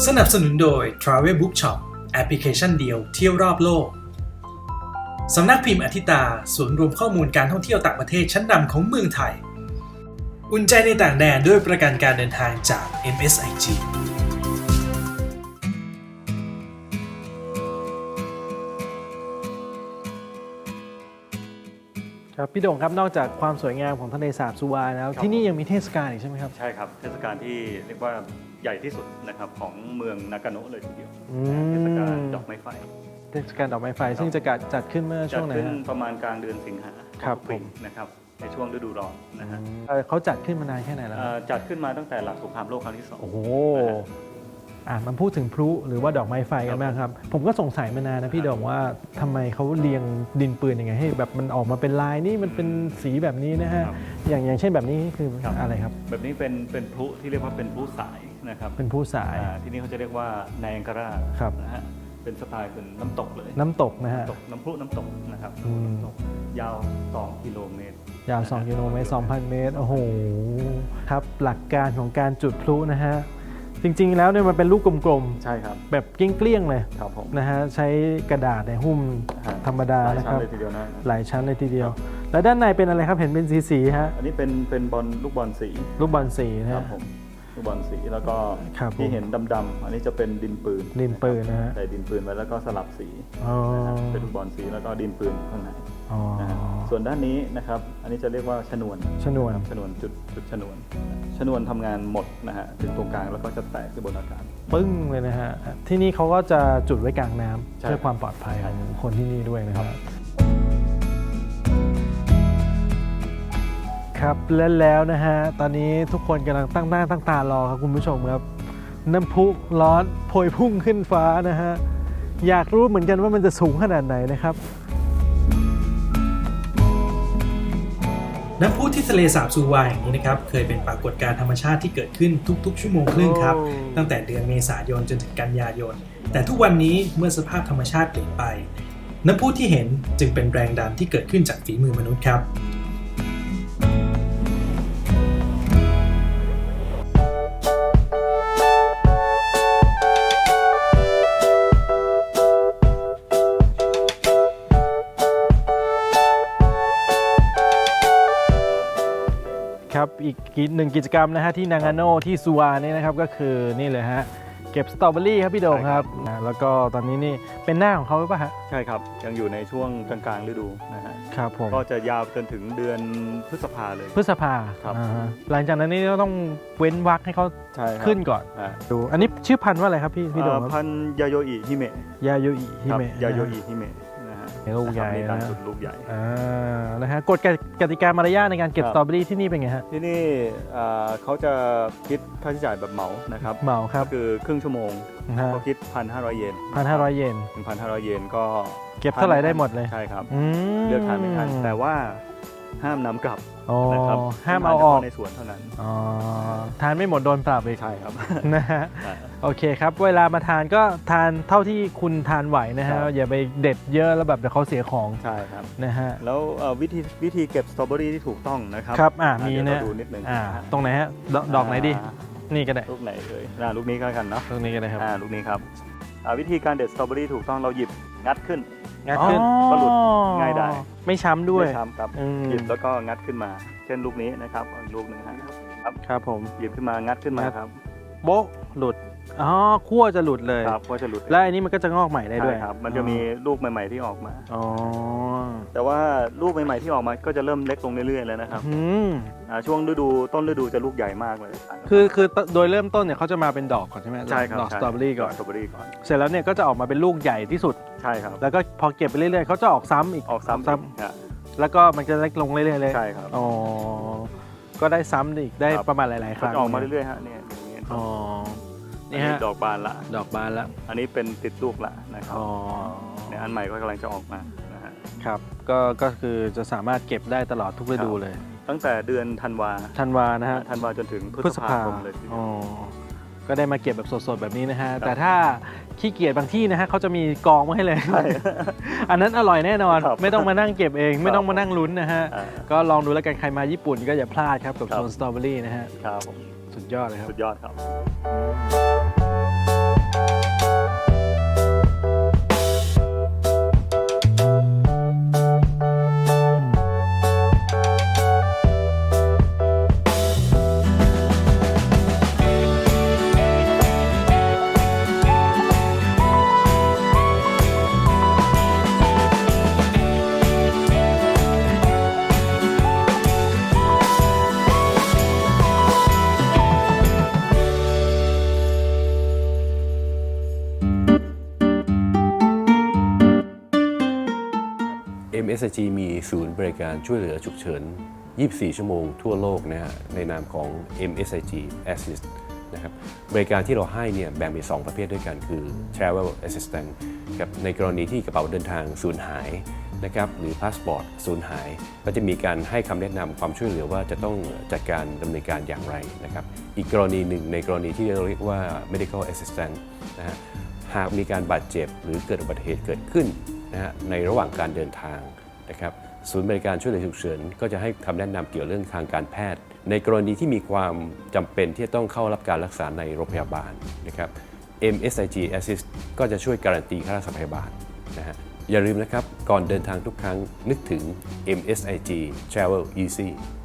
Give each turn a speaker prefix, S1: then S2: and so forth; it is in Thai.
S1: สนับสนุนโดย Travel Book Shop แอปพลิเคชันเดียวเที่ยวรอบโลกสำนักพิมพ์อธิตาศูนย์รวมข้อมูลการท่องเที่ยวต่างประเทศชั้นนำของเมืองไทยอุ่นใจในต่างแดนด้วยประกันการเดินทางจาก MSIG
S2: ครับพี่โด่งครับนอกจากความสวยงามของทะเลสาบสุวาแล้วที่นี่ยังมีเทศกาลอีกใช่ไหมครับ
S3: ใช่ครับเทศกาลที่เรียกว่าใหญ่ที่สุดนะครับของเมืองนากาโนะเลยทีเดียวเทศกาลดอกไม้ไฟ
S2: เทศกาลดอกไม้ไฟซึ่งจะจัดขึ้นเมื่อช่วงไหน
S3: จัดขึ้นประมาณกลางเดือนสิงหา
S2: ครับ
S3: ปีนะครับในช่วงฤดูร้อนนะฮะ
S2: เขาจัดขึ้นมานานแค่ไหนแล้ว
S3: จัดขึ้นมาตั้งแต่หลังสงครามโลกครั้งที่2
S2: โอ้โหมันพูดถึงพลุหรือว่าดอกไม้ไฟกันบ้างครับผมก็สงสัยมานานนะพี่โด่งว่าทำไมเขาเรียงดินปืนยังไงให้แบบมันออกมาเป็นลายนี่มันเป็นสีแบบนี้นะฮะอย่างเช่นแบบนี้คืออะไรครับ
S3: แบบนี้เป็นพลุที่เรียกว่าเป็นพลุสายนะครับ
S2: เป็นพลุสาย
S3: ที่นี่เขาจะเรียกว่าแนงการ่านะฮะเป็นสไตล์เป็นน้ำตกเลย
S2: น้ำตกนะฮะ
S3: น้ำพลุน้ำตกนะครับยาว2 กิโลเมตร
S2: ยาว2 กิโลเมตร 2,000 เมตรโอ้โหครับหลักการของการจุดพลุนะฮะจริงๆแล้วเนี่ยมันเป็นลูกกลม
S3: ๆใช่ครับ
S2: แบบเกลี้ยงๆเลย
S3: ครับผม
S2: นะฮะใช้กระดาษในหุ้มธรรมดานะครับหลายชั้นเลยทีเดียวแล้วด้านในเป็นอะไรครับเห็นเป็นสีๆฮะ
S3: อันนี้เป็นลูกบอลสี
S2: นะครับ
S3: ผมลูกบอลสีแล้วก็ที่เห็นดำๆอันนี้จะเป็นดินปืน
S2: นะฮะ
S3: ใส่ดินปืนไว้แล้วก็สลับสีเป็นลูกบอลสีแล้วก็ดินปืนข้างในส่วนด้านนี้นะครับอันนี้จะเรียกว่าชนวนจุดชนวนทำงานหมดนะฮะถึงตรงกลางแล้วก็จะแตกขึ้นบนอากาศ
S2: ปึ้งเลยนะฮะที่นี่เขาก็จะจุดไว้กลางน้ำเพื่อความปลอดภัยของคนที่นี่ด้วยนะครับครับแล้วนะฮะตอนนี้ทุกคนกำลังตั้งหน้าตั้งตารอครับคุณผู้ชมครับน้ำพุร้อนโพยพุ่งขึ้นฟ้านะฮะอยากรู้เหมือนกันว่ามันจะสูงขนาดไหนนะครับ
S1: น้ำพุที่ทะเลสาบซูวาแห่งนี้นะครับเคยเป็นปรากฏการณ์ธรรมชาติที่เกิดขึ้นทุกๆชั่วโมงครึ่งครับตั้งแต่เดือนเมษายนจนถึงกันยายนแต่ทุกวันนี้เมื่อสภาพธรรมชาติเปลี่ยนไปน้ำพุที่เห็นจึงเป็นแรงดันที่เกิดขึ้นจากฝีมือมนุษย์ครับ
S2: ครับอีกหนึ่งกิจกรรมนะฮะที่นางาโน่ที่ซูวานี่นะครับก็คือนี่เลยฮะเก็บสตรอเบอรี่ครับพี่โด่งครับแล้วก็ตอนนี้นี่เป็นหน้าของเขาหรือเปล่าฮะ
S3: ใช่ครับยังอยู่ในช่วงกลางๆฤดูนะฮะ
S2: ครับผม
S3: ก็จะยาวจนถึงเดือนพฤษภาเลย
S2: พฤษภาครับหลังจากนั้นนี่ต้องเว้นวรรคให้เขาขึ้นก่อนดูอันนี้ชื่อพันธุ์ว่าอะไรครับพี่โด่ง
S3: พันธุ์ยาโยอิฮิเมะ
S2: ยาโยอิฮิเมะลูกใหญ่
S3: นะลูกใหญ่
S2: นะฮะกฎกติกามารยาทในการเก็บสตรอเบอรี่ที่นี่เป็นไงฮะ
S3: ที่นี่เขาจะคิดค่าใช้จ่ายแบบเหมานะครับ
S2: เหมาครับ
S3: คือครึ่งชั่วโมงก็คิด 1,500 เยน
S2: 1,500 เยน
S3: 1,500 เยนก็
S2: เก็บเท่าไหร่ได้หมดเลย
S3: ใช่ครับเลือกทานไม่ทันแต่ว่าห้ามนำกลับนะครับ
S2: ห้ามเอาออก
S3: ในสวนเท่านั้น
S2: ทานไม่หมดโดนปรับอีก
S3: ใช่ครับ
S2: นะฮะโอเคครับเวลามาทานก็ทานเท่าที่คุณทานไหวนะฮะอย่าไปเด็ดเยอะแล้วแบบเดี๋ยวเขาเสียของ
S3: ใช่ครับ
S2: นะฮะ
S3: แล้ววิธีเก็บสตรอเบอรี่ที่ถูกต้องนะครับ
S2: ครับมี
S3: นะดูนิดนึง
S2: ตรงไหนฮะดอกไหนดีนี่ก็ได้
S3: ลูกไหนเลยลูกนี้ก็แล้วกันเนาะ
S2: ลูกนี้ก็ได้ครับ
S3: ลูกนี้ครับวิธีการเด็ดสตรอเบอรี่ถูกต้องเราหยิบงัดขึ้น
S2: ก็
S3: หลุดง่ายได้
S2: ไม่ช้ำด้วย
S3: ไม่ช้ำครับหยิบแล้วก็งัดขึ้นมาเช่นลูกนี้นะครับลูกนึง
S2: ครับผม
S3: หยิบขึ้นมางัดขึ้นมาครับ
S2: โบ๊ะหลุดขั้วจะหลุดเลย
S3: ครับขั้วจะหลุด
S2: แล้วอันนี้มันก็จะงอกใหม่ได้ด้วย
S3: ครับมันจะมีลูกใหม่ๆที่ออกมาแต่ว่าลูกใหม่ๆที่ออกมาก็จะเริ่มเล็กลงเรื่อยๆแล้วนะครับช่วงต้นฤดูจะลูกใหญ่มากเลย
S2: คือโดยเริ่มต้นเนี่ยเขาจะมาเป็นดอกก่อนใช่ไหม
S3: ใช่ครับ
S2: ดอกสตรอเบอรี่ก่อน
S3: เ
S2: สร็จแล้วเนี่ยก็จะออกมาเป็นลูกใหญ่ที่สุด
S3: ใช่ครับ
S2: แล้วก็พอเก็บไปเรื่อยๆเขาจะออกซ้ำแล้วก็มันจะเล็กลงเรื่อยๆเลย
S3: ใช่ครับ
S2: ก็ได้ซ้ำอีกได้ประมาณหลายๆครั้ง
S3: ออกมาเรื่อยๆฮะเนี่ยนี่ฮะดอกบานละอันนี้เป็นติดลูกละนะครับเนี่ยอันใหม่ก็กำลังจะออกมานะฮะ
S2: ครับก็คือจะสามารถเก็บได้ตลอดทุกฤดูเลย
S3: ตั้งแต่เดือนธันวานะฮะธันวาจนถึงพฤษภาคมเลย
S2: ก็ได้มาเก็บแบบสดๆแบบนี้นะฮะแต่ถ้าขี้เกียจบางที่นะฮะเขาจะมีกองไว้ให้เลยอันนั้นอร่อยแน่นอนไม่ต้องมานั่งเก็บเองไม่ต้องมานั่งลุ้นนะฮะก็ลองดูแล้วกันใครมาญี่ปุ่นก็อย่าพลาดครับกับโซนสตรอเบอรี่นะฮะ
S3: ครับ
S2: สุดยอดเลยครับ
S3: สุดยอดครับ
S4: MSIG มีศูนย์บริการช่วยเหลือฉุกเฉิน 24 ชั่วโมงทั่วโลกนะฮะในนามของ MSIG Assist นะครับบริการที่เราให้เนี่ยแบ่งเป็น2ประเภทด้วยกันคือ Travel Assistance ครับในกรณีที่กระเป๋าเดินทางสูญหายนะครับหรือพาสปอร์ตสูญหายก็จะมีการให้คำแนะนำความช่วยเหลือว่าจะต้องจัดการดำเนินการอย่างไรนะครับอีกกรณีหนึ่งในกรณีที่เราเรียกว่า Medical Assistance นะฮะหากมีการบาดเจ็บหรือเกิดอุบัติเหตุเกิดขึ้นนะฮะในระหว่างการเดินทางนะครับศูนย์บริการช่วยเหลือฉุกเฉินก็จะให้คำแนะนำเกี่ยวเรื่องทางการแพทย์ในกรณีที่มีความจำเป็นที่จะต้องเข้ารับการรักษาในโรงพยาบาลนะครับ MSIG Assist ก็จะช่วยการันตีค่ารักษาพยาบาลนะฮะอย่าลืมนะครับก่อนเดินทางทุกครั้งนึกถึง MSIG Travel Easy